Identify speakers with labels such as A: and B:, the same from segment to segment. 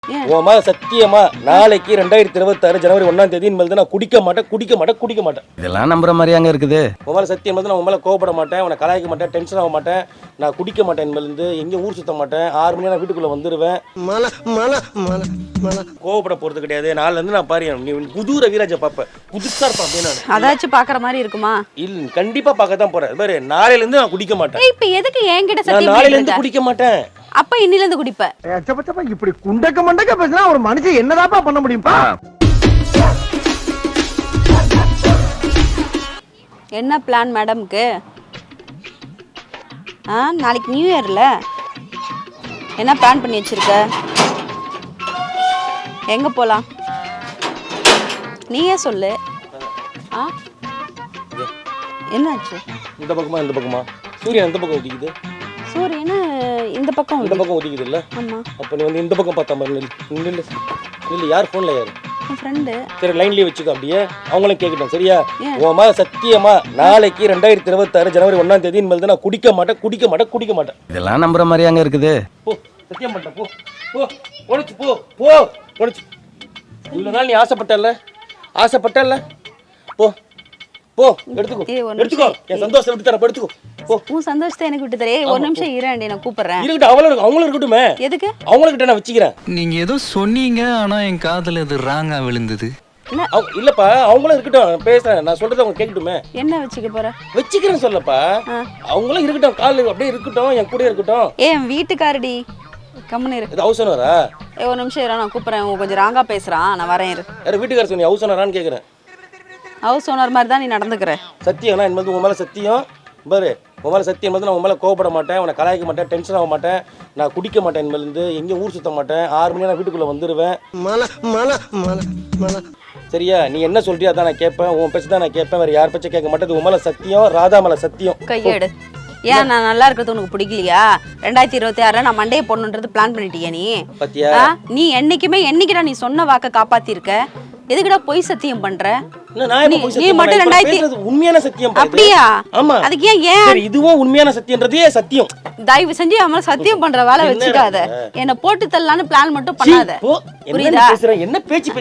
A: உன் மேல சத்தியமா நாளைக்கு 2026 ஜனவரி 1ஆம் தேதி இனிமேல் நான் குடிக்க மாட்டேன்.
B: இதெல்லாம் நம்புற மாதிரியாங்க இருக்குது.
A: உன் மேல சத்தியம் நான் உன் மேல கோவப்பட மாட்டேன், உன்னை கலாய்க்க மாட்டேன், டென்ஷன் ஆக மாட்டேன், நான் குடிக்க மாட்டேன், இனிமேல் எங்கேயும் ஊர் சுத்த மாட்டேன், 6 மணி நான் வீட்டுக்குள்ள வந்துடுவேன். கோவப்பட போறது கிடையாது. நாளில இருந்து நான் பாரு நீ புது ரவிராஜ பாப்ப, புதுசா இருப்பா அப்படின்னு.
C: அதாச்சும் பாக்குற மாதிரி இருக்குமா?
A: இல்ல கண்டிப்பா பார்க்க தான் போறேன். பாரு நாளையில இருந்து நான் குடிக்க மாட்டேன்.
C: இப்ப எதுக்கு என்கிட்ட
A: நான்
C: சத்தியம்
A: நாளையில இருந்து குடிக்க மாட்டேன்.
C: அப்ப இன்னில இருந்து குடிப்ப.
D: இப்படி குண்டக்க மண்டக்க பேசினா ஒரு மனுஷன் என்னதாப்பா பண்ண முடியும்பா?
C: என்ன பிளான் மேடம்க்கு? நாளைக்கு நியூ இயர்ல என்ன பிளான் பண்ணி வச்சிருக்க? எங்க போலாம் நீயே சொல்லு. என்னாச்சு?
A: இந்த பக்கமா சூரியன் இந்த பக்கம் உதிக்குது.
C: சூரியன் இந்த பக்கம்
A: உதிக்குது இல்ல?
C: ஆமா.
A: அப்ப நீ வந்து இந்த பக்கம் பார்த்தா மாதிரி நில்லு. யார் போன்ல யாரு?
C: என் ஃப்ரெண்டு.
A: சரி லைன்லயே வச்சுக்கோ அப்படியே. அவங்களும் கேட்கட்டும் சரியா? உன் மேல சத்தியமா நாளைக்கு 2026 ஜனவரி 1ஆம் தேதி இனிமேல் நான் குடிக்க மாட்டேன்.
B: இதெல்லாம் நம்புற மாதிரியாங்க இருக்குது.
A: போ சத்தியம் பண்ணிட்டேன். போ உடைச்சு. இவ்வளவு நாள் நீ ஆசைப்பட்டல்ல? போ எடுத்துக்கோ. என் சந்தோஷம் விட்டு தரப்ப எடுத்துக்கோ.
C: உன் சந்தோஷத்தை எனக்கு விட்டு தரே. ஒரு நிமிஷம் இரு, நான் கூப்பிடுறேன்.
A: இருக்கட்டும், அவங்களும் இருக்கட்டுமே.
C: எதுக்கு?
A: அவங்ககிட்ட நான் வச்சுக்கிறேன்.
E: நீங்க ஏதோ சொன்னீங்க, ஆனா என் காதுல இது ராங்கா விழுந்தது.
A: இல்லப்பா, அவங்களும் இருக்கட்டும், பேசுறேன். நான் சொல்றது அவங்க கேட்கட்டுமே.
C: என்ன வச்சுக்க போற?
A: வச்சுக்கிறேன் சொல்லப்பா. அவங்களும் இருக்கட்டும், கால் அப்படியே இருக்கட்டும், என் கூட இருக்கட்டும்.
C: என் வீட்டுக்காரடி கம்முன்னு இரு.
A: இது ஹவுஸ் ஓனரா?
C: ஒரு நிமிஷம் இரு, நான் கூப்பிடுறேன். கொஞ்சம் ராங்கா பேசுறான், நான் வரேன் இரு.
A: யார் வீட்டுக்கார சொன்னி ஹவுஸ் ஓனரான்னு கேட்குறேன்.
C: ஹவுஸ் ஓனர் மாதிரி தான் நீ நடந்துக்கிற.
A: சத்தியம்னா இனிமேல் உன் மேலே சத்தியம். பாரு உன் மேலே சத்தியம் நான் உன் மேலே கோவப்பட மாட்டேன், உன்னை கலாய்க்க மாட்டேன், டென்ஷன் ஆக மாட்டேன், நான் குடிக்க மாட்டேன், இனிமேல் எங்கேயும் ஊர் சுத்த மாட்டேன், 6 மணி நான் வீட்டுக்குள்ளே வந்துடுவேன். சரியா? நீ என்ன சொல்றியா அதான் நான் கேட்பேன், உன் பேச்சு தான் நான் கேட்பேன், வேறு யார் பேச்சை கேட்க மாட்டேன். உன் மேலே சத்தியம், ராதா மேலே சத்தியம்.
C: கையெடு. ஏன் நான் நல்லா இருக்கிறது உனக்கு பிடிக்கலையா? 2026 நான் மண்டையை போடணுன்றது பிளான் பண்ணிட்டியா நீ?
A: பத்தியா?
C: நீ என்னைக்குடா நீ சொன்ன வாக்க காப்பாத்திருக்க? எதுக்குடா பொய் சத்தியம் பண்ற? நீ மட்டும் 2000
A: உண்மையான சத்தியம்.
C: அப்படியா?
A: ஆமா.
C: அதுக்கு ஏன்
A: இதுவும் உண்மையான சத்தியம்ன்றதே சத்தியம்.
C: தயவு செஞ்சு அவன் சத்தியம் பண்ற வேலை வச்சுக்காத. என்ன போட்டு தள்ளலான்னு பிளான் மட்டும் பண்ணாத. புரியுதா?
A: என்ன பேச்சு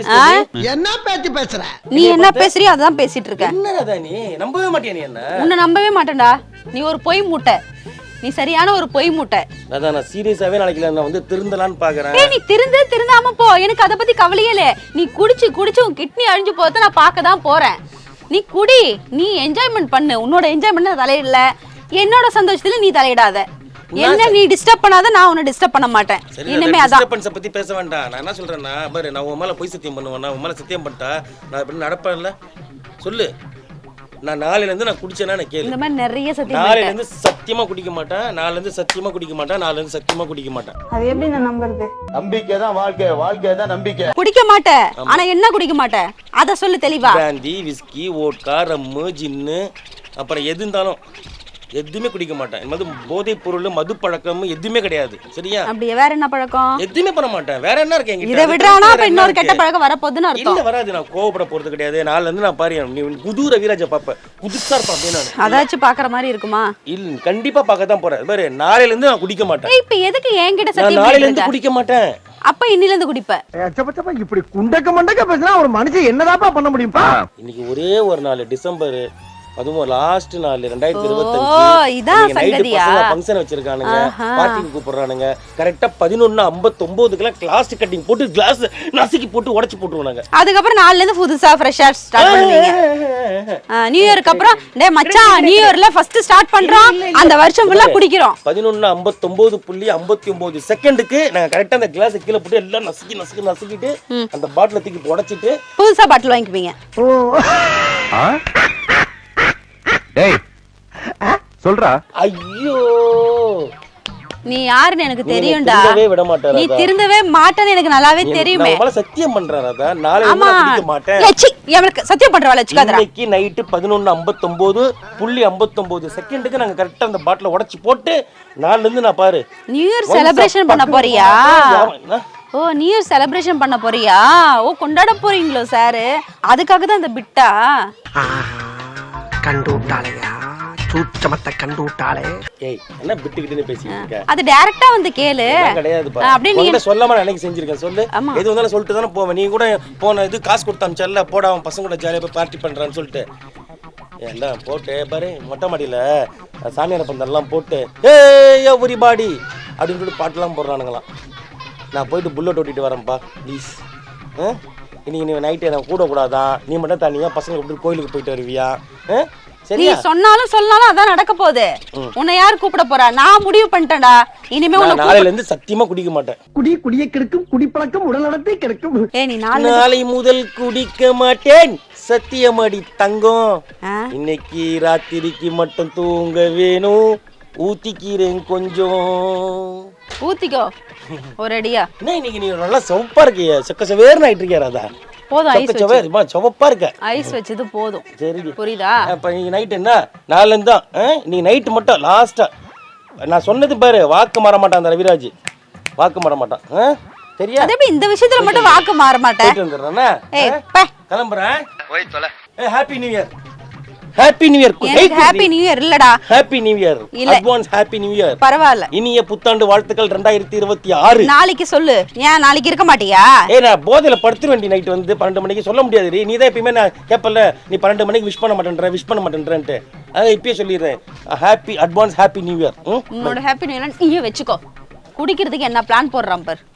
D: பேசுற?
C: நீ என்ன பேசுறியோ அதான் பேசிட்டு இருக்க.
A: என்னடா நீ நம்பவே மாட்டியா? நீ என்ன?
C: உன்னை நம்பவே மாட்டேன்டா. நீ ஒரு பொய் மூட்டை. நீ சரியான ஒரு பொய் மூட்டை.
A: அதான் நான் சீரியஸாவே நாளைக்கு நான் வந்து திருந்தலான்னு பாக்குறேன்.
C: நீ திருந்தாம போ. எனக்கு அத பத்தி கவலையே இல்ல. நீ குடிச்சு உன் கிட்னி அழிஞ்சு போறத நான் பார்க்க தான் போறேன். நீ குடி, நீ என்ஜாய்மெண்ட் பண்ணு. உன்னோட என்ஜாய்மெண்ட் நான் தலையிடல. என்னோட சந்தோஷத்துல நீ தலையிடாத. என்ன நீ டிஸ்டர்ப் பண்ணாத, நான் உன்னை டிஸ்டர்ப் பண்ண மாட்டேன். இனிமே அதான்
A: டிஸ்டர்பன்ஸ் பத்தி பேச வேண்டாம். நான் என்ன சொல்றேன்னா, பாரு நான் உன் மேல பொய் சத்தியம் பண்ணுவேன். நான் உன் மேல சத்தியம் பண்ணிட்டா நான் இப்படி நடப்பேன்ல? சொல்லு. நான் நாளையில இருந்து நான் குடிச்சேனா நான் கேளு.
C: இந்த மாதிரி நிறைய சத்தியம்.
A: நாளையில இருந்து சத்தியமா குடிக்க மாட்டேன். நாளையில இருந்து சத்தியமா குடிக்க மாட்டேன். நாளையில இருந்து சத்தியமா குடிக்க மாட்டேன்.
C: அது எப்படி நான் நம்புறது?
D: நம்பிக்கை தான் வாழ்க்கை தான் நம்பிக்கை.
C: குடிக்க மாட்டேன். ஆனா என்ன குடிக்க மாட்டேன் அத சொல்லு தெளிவா.
A: Brandy, whisky, vodka, rum, gin, அப்புறம் எது இருந்தாலும் எதுவுமே குடிக்க மாட்டேன். இந்த மாதிரி போதைப் பொருள், மது பழக்கம் எதுவுமே கிடையாது. சரியா?
C: அப்படியே வேற என்ன பழக்கம்?
A: எதுவுமே பண்ண மாட்டேன். வேற என்ன இருக்கு என்கிட்ட?
C: இத விடுறானா அப்ப இன்னொரு கெட்ட பழக்கம் வர போகுதுன்னு அர்த்தம்.
A: இல்ல வராது. நான் கோவப்பட போறது கிடையாது. நாளில இருந்து நான் பாரு நீ புது ரவிராஜ பாப்ப, புதுசா இருப்பா அப்படின்னு.
C: அதாச்சும் பாக்குற மாதிரி இருக்குமா?
A: இல்ல கண்டிப்பா பார்க்க தான் போறேன். பாரு நாளையில இருந்து நான் குடிக்க மாட்டேன்.
C: இப்ப எதுக்கு என்கிட்ட சத்தியம்?
A: நாளையில இருந்து குடிக்க மாட்டேன்.
C: அப்ப இன்னில இருந்து குடிப்ப.
D: இப்படி குண்டக்க மண்டக்க பேசினா ஒரு மனுஷன் என்னதாப்பா பண்ண முடியும்பா?
A: இன்னைக்கு ஒரே ஒரு நாள் டிசம்பர், அதுவும் லாஸ்ட் நாள் 2025.
C: இதான் சங்கதியா?
A: ஃபங்க்ஷன் வச்சிருக்கானுங்க, பார்ட்டிக்கு கூப்பிடுறானுங்க. கரெக்டா 11:59க்குலாம் கிளாஸ் கட்டிங் போட்டு கிளாஸ் நசுக்கி போட்டு உடைச்சு போட்டுருவாங்க.
C: அதுக்கப்புறம் நாளைல இருந்து புதுசா ஃப்ரெஷா ஸ்டார்ட் பண்ணுவீங்க. நியூ இயருக்கு அப்புறம் டேய் மச்சான் நியூ இயர்ல ஃபர்ஸ்ட் ஸ்டார்ட் பண்றோம். அந்த வருஷம் ஃபுல்லா குடிக்கிறோம்.
A: 11:59.59 செகண்டுக்கு நாங்க கரெக்டா அந்த கிளாஸ் கீழ போட்டு எல்லாம் நசுக்கிட்டு அந்த பாட்டில தூக்கி உடைச்சிட்டு
C: புதுசா பாட்டில் வாங்கிக்குவீங்க.
B: டேய் சொல்றா.
A: ஐயோ
C: நீ யாருன்னு எனக்கு தெரியும்டா.
A: விட மாட்டாரு.
C: நீ திருந்தவே மாட்டேன்னு எனக்கு நல்லாவே தெரியுமே.
A: நான் சத்தியம் பண்றேன் ராதா. நாளைக்கு நான் குடிக்க மாட்டேன்.
C: எனக்கு சத்தியம் பண்ற வேலை வச்சுக்காதடா.
A: இன்னைக்கு நைட் 11:59.59 செகண்டுக்கு நாங்க கரெக்ட்டா அந்த பாட்டில உடைச்சு போட்டு நாளைல இருந்து நான் பாரு
C: நியூ இயர் செலிப்ரேஷன் பண்ண போறியா? ஓ நியூ இயர் செலிப்ரேஷன் பண்ண போறியா? ஓ கொண்டாட போறீங்களோ சார்? அதுக்காக தான் இந்த பிட்டா
D: கண்டு விட்டாளையா? சூட்சமத்தை கண்டு விட்டாளே.
A: ஏய் என்ன விட்டுக்கிட்டுன்னு பேசிட்டு இருக்க?
C: அது டைரக்டா வந்து கேளு.
A: அதெல்லாம் கிடையாதுப்பா.
C: அப்படியே நீ
A: உன்கிட்ட சொல்லாம நான் அன்னைக்கு செஞ்சிருக்கேன். சொல்லு.
C: ஆமா.
A: எது வந்தாலும் சொல்லிட்டு தானே போவேன். நீ கூட போன இது காசு கொடுத்து அனுப்பிச்சல்ல, போட அவன் பசங்க கூட ஜாலியாக போய் பார்ட்டி பண்ணுறான்னு சொல்லிட்டு எல்லாம் போட்டு பாரு மொட்டை மாடியில் சாமியார் பந்தெல்லாம் போட்டு ஏய் எவ்ரிபாடி அப்படின்னு சொல்லிட்டு பாட்டுலாம் போடுறானுங்களாம். நான் போயிட்டு புல்லட் ஓட்டிட்டு வரேன்ப்பா ப்ளீஸ். இன்னைக்கு நீ நைட்டு எனக்கு கூட கூடாதான், நீ மட்டும் தனியாக பசங்க கூப்பிட்டு கோயிலுக்கு போயிட்டு வருவியா?
C: நீ
A: சரியா?
C: சொன்னாலும் சொன்னாலும் அதான் நடக்க போகுது. உன்னை யார் கூப்பிட போறா? நான் முடிவு பண்ணிட்டேன்டா. இனிமே உன்னை
A: நாளையில இருந்து சத்தியமா குடிக்க மாட்டேன்.
D: குடியை கெடுக்கும், குடிப்பழக்கம் உடல் நடத்தை கெடுக்கும்.
C: ஏய் நீ நாளை
A: நாளை முதல் குடிக்க மாட்டேன் சத்தியமடி தங்கம். இன்னைக்கு ராத்திரிக்கு மட்டும் தூங்க வேணும், ஊத்திக்கிறேன் கொஞ்சம்.
C: ஊத்திக்கோ ஒரு அடியா.
A: என்ன இன்னைக்கு நீ நல்லா சிவப்பா இருக்கிய, செக்க செவேர்னு ஆயிட்டு இருக்கியா ராதா?
C: போதும் ஐஸ் வச்சு.
A: சிவப்பா இருக்க.
C: ஐஸ் வச்சது போதும்.
A: சரி
C: புரியுதா?
A: அப்ப நீங்க நைட் என்ன நாலுல இருந்தா நீ நைட்டு மட்டும் லாஸ்டா நான் சொன்னது பாரு, வாக்கு மாற மாட்டான் அந்த ரவிராஜ், வாக்கு மாற மாட்டான். சரியா?
C: அதே இந்த விஷயத்துல மட்டும் வாக்கு மாற மாட்டேன்.
A: போயிட்டு வந்துடுறேன்னா
C: ஏய் பே
A: கிளம்புறேன். போய் தொலை. Happy new year. Happy new year.
C: எனக்கு ஹாப்பி நியூ இயர் இல்லடா.
A: Happy new year. Advance happy new year.
C: பரவாயில்ல.
A: இனிய புத்தாண்டு வாழ்த்துக்கள் 2026.
C: நாளைக்கு சொல்லு. ஏன் நாளைக்கு இருக்க மாட்டியா?
A: ஏய் நான் போதையில படுத்துற வேண்டி நைட் வந்து 12 மணிக்கு சொல்ல முடியாது. நீ தான் எப்பயுமே நான் கேட்பல, நீ 12 மணிக்கு விஷ் பண்ண மாட்டேன்றன்ட்டு. அதான் இப்பயே சொல்லிடுறேன். Happy advance happy new year.
C: உன்னோட ஹாப்பி நியூ இயர் நீயே வச்சுக்கோ. குடிக்கிறதுக்கு என்ன பிளான் போடுறான் பார்.